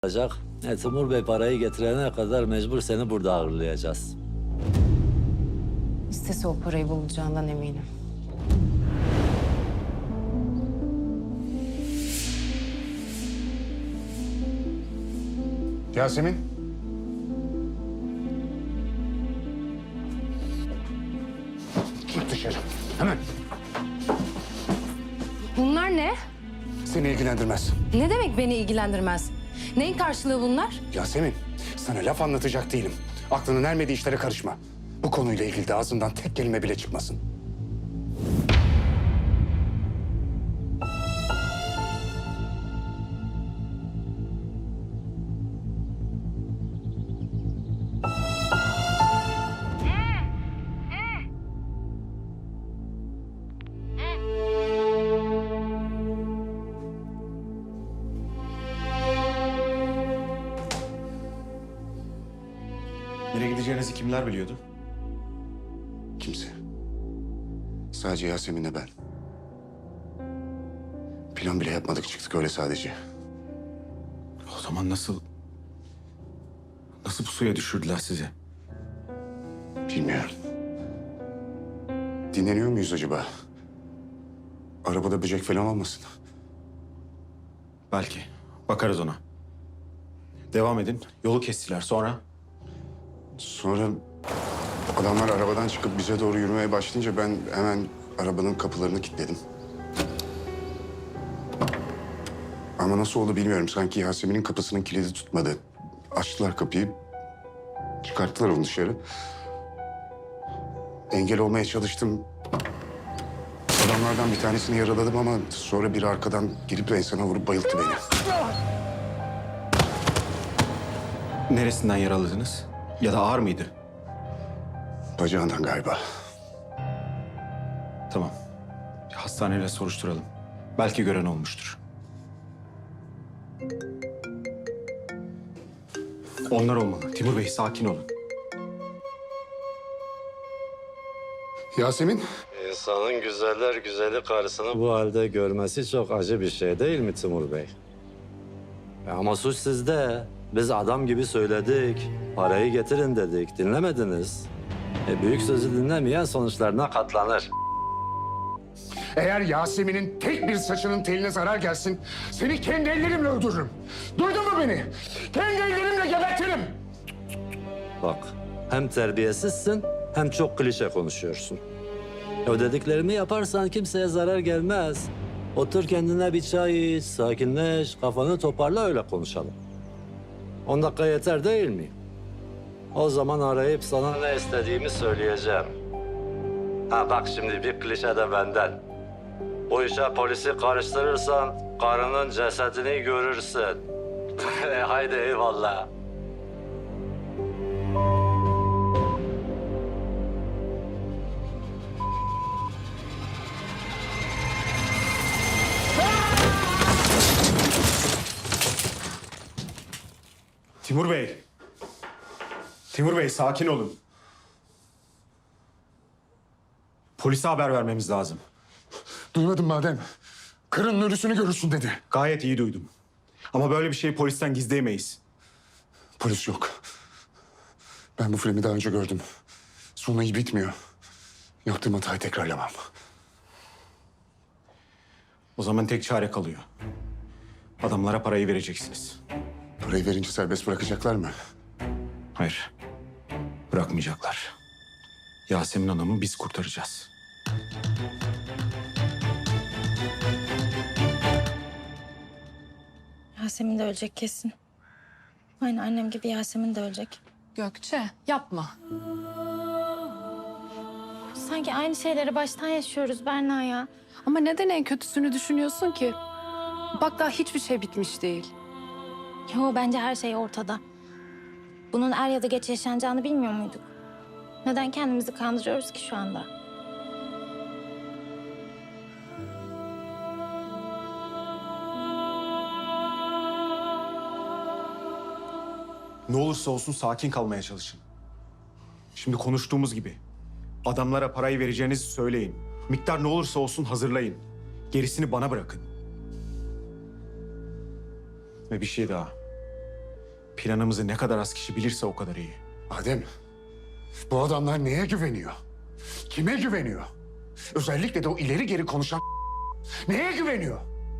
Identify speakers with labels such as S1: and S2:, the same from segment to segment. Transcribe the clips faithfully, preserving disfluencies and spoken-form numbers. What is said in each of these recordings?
S1: olacak. E, Timur Bey parayı getirene kadar mecbur seni burada ağırlayacağız.
S2: İstese o parayı bulacağından eminim.
S3: Yasemin. Git dışarı. Hemen.
S2: Bunlar ne?
S3: Seni ilgilendirmez.
S2: Ne demek beni ilgilendirmez? Neyin karşılığı bunlar?
S3: Yasemin, sana laf anlatacak değilim. Aklının ermediği işlere karışma. Bu konuyla ilgili de ağzından tek kelime bile çıkmasın.
S4: Nereye gideceğinizi kimler biliyordu?
S3: Kimse. Sadece Yasemin'le ben. Plan bile yapmadık, çıktık öyle sadece.
S4: O zaman nasıl... Nasıl bu suya düşürdüler sizi?
S3: Bilmiyorum. Dinleniyor muyuz acaba? Arabada böcek falan olmasın.
S4: Belki. Bakarız ona. Devam edin. Yolu kestiler. Sonra?
S3: Sonra adamlar arabadan çıkıp bize doğru yürümeye başlayınca ben hemen arabanın kapılarını kilitledim. Ama nasıl oldu bilmiyorum. Sanki Yasemin'in kapısının kilidi tutmadı. Açtılar kapıyı. Çıkarttılar onu dışarı. Engel olmaya çalıştım. Adamlardan bir tanesini yaraladım ama sonra biri arkadan girip enseme vurup bayılttı beni.
S4: Neresinden yaraladınız? Ya da ağır mıydı?
S3: Bacağından galiba.
S4: Tamam. Bir hastaneyle soruşturalım. Belki gören olmuştur. Onlar olmalı. Timur Bey sakin olun.
S3: Yasemin?
S1: İnsanın güzeller güzeli karısını bu halde görmesi çok acı bir şey değil mi Timur Bey? E ama suç sizde. Biz adam gibi söyledik. Parayı getirin dedik. Dinlemediniz. E büyük sözü dinlemeyen sonuçlarına katlanır.
S3: Eğer Yasemin'in tek bir saçının teline zarar gelsin, seni kendi ellerimle öldürürüm. Duydun mu beni? Kendi ellerimle gebertirim.
S1: Bak, hem terbiyesizsin hem çok klişe konuşuyorsun. O dediklerimi yaparsan kimseye zarar gelmez. Otur kendine bir çay iç, sakinleş, kafanı toparla öyle konuşalım. On dakika yeter değil mi? O zaman arayıp sana ne istediğimi söyleyeceğim. Ha bak şimdi bir klişe de benden. Bu işe polisi karıştırırsan karının cesedini görürsün. E, haydi eyvallah.
S4: Timur Bey. Timur Bey sakin olun. Polise haber vermemiz lazım.
S3: Duymadın madem. Karının ölüsünü görürsün dedi.
S4: Gayet iyi duydum. Ama böyle bir şeyi polisten gizleyemeyiz.
S3: Polis yok. Ben bu filmi daha önce gördüm. Sonu iyi bitmiyor. Yaptığım hatayı tekrarlamam.
S4: O zaman tek çare kalıyor. Adamlara parayı vereceksiniz.
S3: Parayı verince serbest bırakacaklar mı?
S4: Hayır. Bırakmayacaklar. Yasemin Hanım'ı biz kurtaracağız.
S5: Yasemin de ölecek kesin. Aynı annem gibi Yasemin de ölecek.
S2: Gökçe yapma.
S5: Sanki aynı şeyleri baştan yaşıyoruz Berna ya.
S2: Ama neden en kötüsünü düşünüyorsun ki? Bak daha hiçbir şey bitmiş değil.
S5: Yo bence her şey ortada. Bunun er ya da geç yaşanacağını bilmiyor muyduk? Neden kendimizi kandırıyoruz ki şu anda?
S4: Ne olursa olsun sakin kalmaya çalışın. Şimdi konuştuğumuz gibi adamlara parayı vereceğinizi söyleyin. Miktar ne olursa olsun hazırlayın. Gerisini bana bırakın. Ve bir şey daha. Planımızı ne kadar az kişi bilirse o kadar iyi.
S3: Adem, bu adamlar neye güveniyor? Kime güveniyor? Özellikle de o ileri geri konuşan neye güveniyor?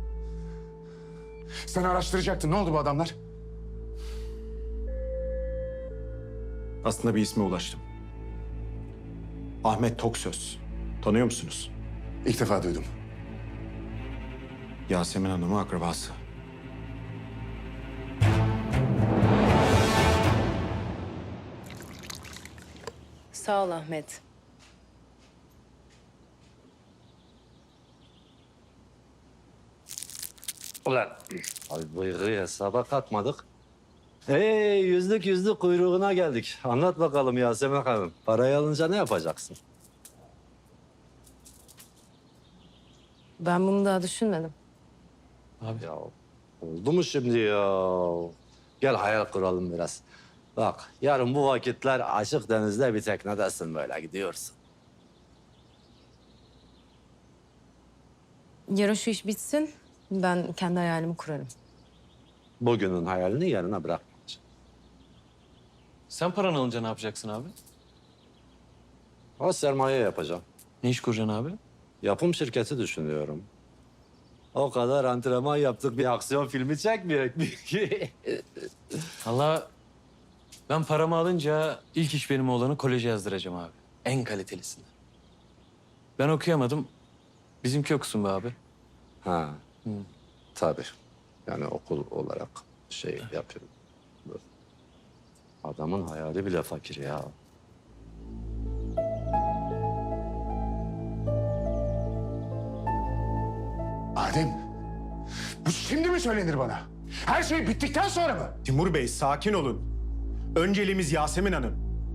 S3: Sen araştıracaktın. Ne oldu bu adamlar?
S4: Aslında bir isme ulaştım. Ahmet Toksöz. Tanıyor musunuz?
S3: İlk defa duydum.
S4: Yasemin Hanım'ın akrabası.
S6: Sağ ol Ahmet.
S1: Ulan. Abi bıyığı hesaba katmadık. Hey yüzlük yüzlük kuyruğuna geldik. Anlat bakalım Yasemin Hanım. Parayı alınca ne yapacaksın?
S6: Ben bunu daha düşünmedim.
S1: Ya oldu mu şimdi ya? Gel hayal kuralım biraz. Bak yarın bu vakitler açık denizde bir teknedesin böyle gidiyorsun.
S6: Yarın şu iş bitsin, ben kendi hayalimi kurarım.
S1: Bugünün hayalini yarına bırakmayacaksın.
S7: Sen paranı alınca ne yapacaksın abi?
S1: O sermaye yapacağım.
S7: Ne iş kuracaksın abi?
S1: Yapım şirketi düşünüyorum. O kadar antrenman yaptık bir aksiyon filmi çekmeyecek mi ki?
S7: Allah ben paramı alınca ilk iş benim oğlanı koleje yazdıracağım abi. En kalitelisini. Ben okuyamadım. Bizimki okusun be abi.
S1: Ha. Tabii. Yani okul olarak şey yapıyorum. Adamın hayali bile fakir ya.
S3: Adem, bu şimdi mi söylenir bana? Her şey bittikten sonra mı?
S4: Timur Bey sakin olun. Önceliğimiz Yasemin Hanım.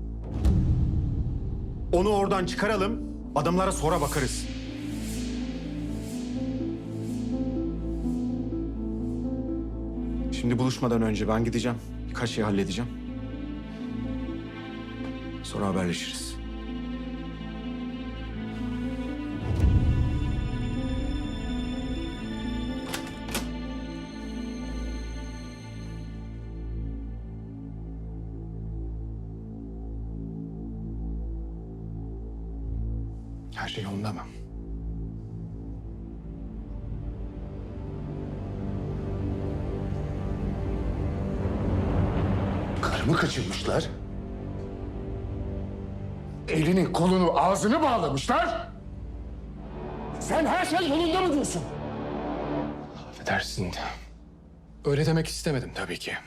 S4: Onu oradan çıkaralım, adamlara sonra bakarız. Şimdi buluşmadan önce ben gideceğim. Birkaç şey halledeceğim. Sonra haberleşiriz.
S3: Her şey yolunda mı? Karımı kaçırmışlar. Elini, kolunu, ağzını bağlamışlar. Sen her şey yolunda mı diyorsun?
S8: Affedersin. Öyle demek istemedim tabii ki.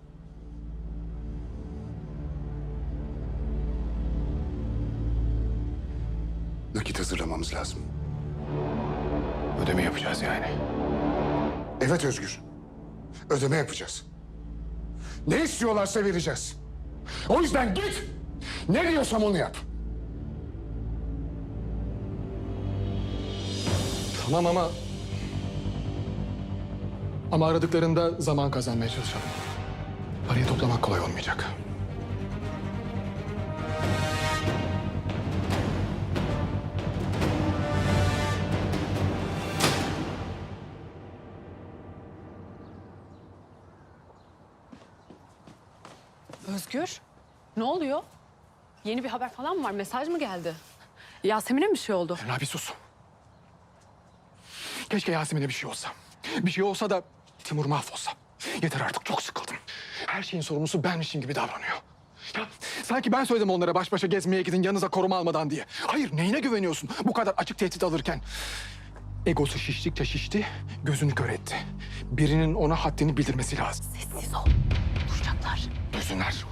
S3: Nakit hazırlamamız lazım.
S8: Ödeme yapacağız yani.
S3: Evet Özgür. Ödeme yapacağız. Ne istiyorlarsa vereceğiz. O yüzden git. Ne diyorsam onu yap.
S8: Tamam ama... Ama aradıklarında zaman kazanmaya çalışalım. Parayı toplamak kolay olmayacak.
S2: Özgür, ne oluyor? Yeni bir haber falan mı var? Mesaj mı geldi? Yasemin'e mi bir şey oldu?
S8: Ferna bir sus. Keşke Yasemin'e bir şey olsa. Bir şey olsa da Timur mahvolsa. Yeter artık, çok sıkıldım. Her şeyin sorumlusu benmişim gibi davranıyor. Ya sanki ben söyledim onlara baş başa gezmeye gidin yanınıza koruma almadan diye. Hayır, neyine güveniyorsun bu kadar açık tehdit alırken? Egosu şiştikçe şişti, gözünü kör etti. Birinin ona haddini bildirmesi lazım.
S2: Sessiz ol. Duyacaklar.
S8: Duysunlar.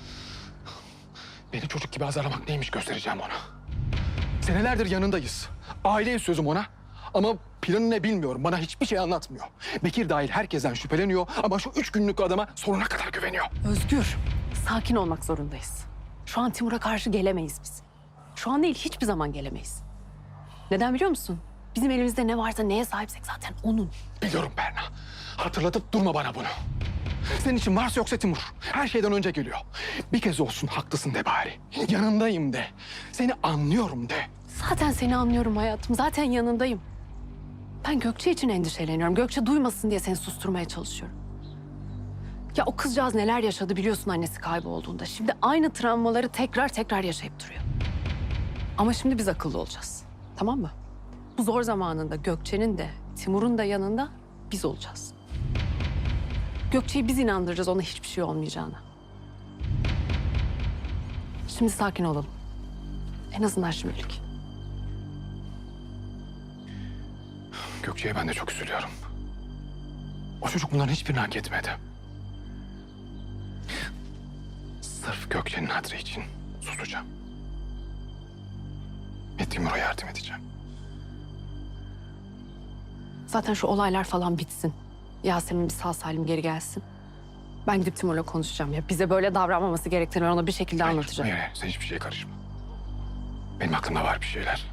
S8: Beni çocuk gibi azarlamak neymiş göstereceğim ona. Senelerdir yanındayız. Aileyiz sözüm ona. Ama planı ne bilmiyorum. Bana hiçbir şey anlatmıyor. Bekir dahil herkesten şüpheleniyor ama şu üç günlük adama sonuna kadar güveniyor.
S2: Özgür, sakin olmak zorundayız. Şu an Timur'a karşı gelemeyiz biz. Şu an değil, hiçbir zaman gelemeyiz. Neden biliyor musun? Bizim elimizde ne varsa neye sahipsek zaten onun.
S8: Biliyorum Berna. Hatırlatıp durma bana bunu. Senin için varsa yoksa Timur. Her şeyden önce geliyor. Bir kez olsun haklısın de bari. Yanındayım de. Seni anlıyorum de.
S2: Zaten seni anlıyorum hayatım. Zaten yanındayım. Ben Gökçe için endişeleniyorum. Gökçe duymasın diye seni susturmaya çalışıyorum. Ya o kızcağız neler yaşadı biliyorsun annesi kaybolduğunda. Şimdi aynı travmaları tekrar tekrar yaşayıp duruyor. Ama şimdi biz akıllı olacağız. Tamam mı? Bu zor zamanında Gökçe'nin de Timur'un da yanında biz olacağız. Gökçe'yi biz inandıracağız ona hiçbir şey olmayacağına. Şimdi sakin olalım. En azından şimdilik.
S8: Gökçe'ye ben de çok üzülüyorum. O çocuk bunların hiçbirini hak etmedi. Sırf Gökçe'nin hatırı için susacağım. Ve Timur'a yardım edeceğim.
S2: Zaten şu olaylar falan bitsin. Yasemin bir sağ salim geri gelsin. Ben gidip Timur'la konuşacağım ya. Bize böyle davranmaması gerektiğini ben ona bir şekilde
S8: Hayır,
S2: anlatacağım.
S8: Hayır, hayır. Sen hiçbir şeye karışma. Benim aklımda var bir şeyler.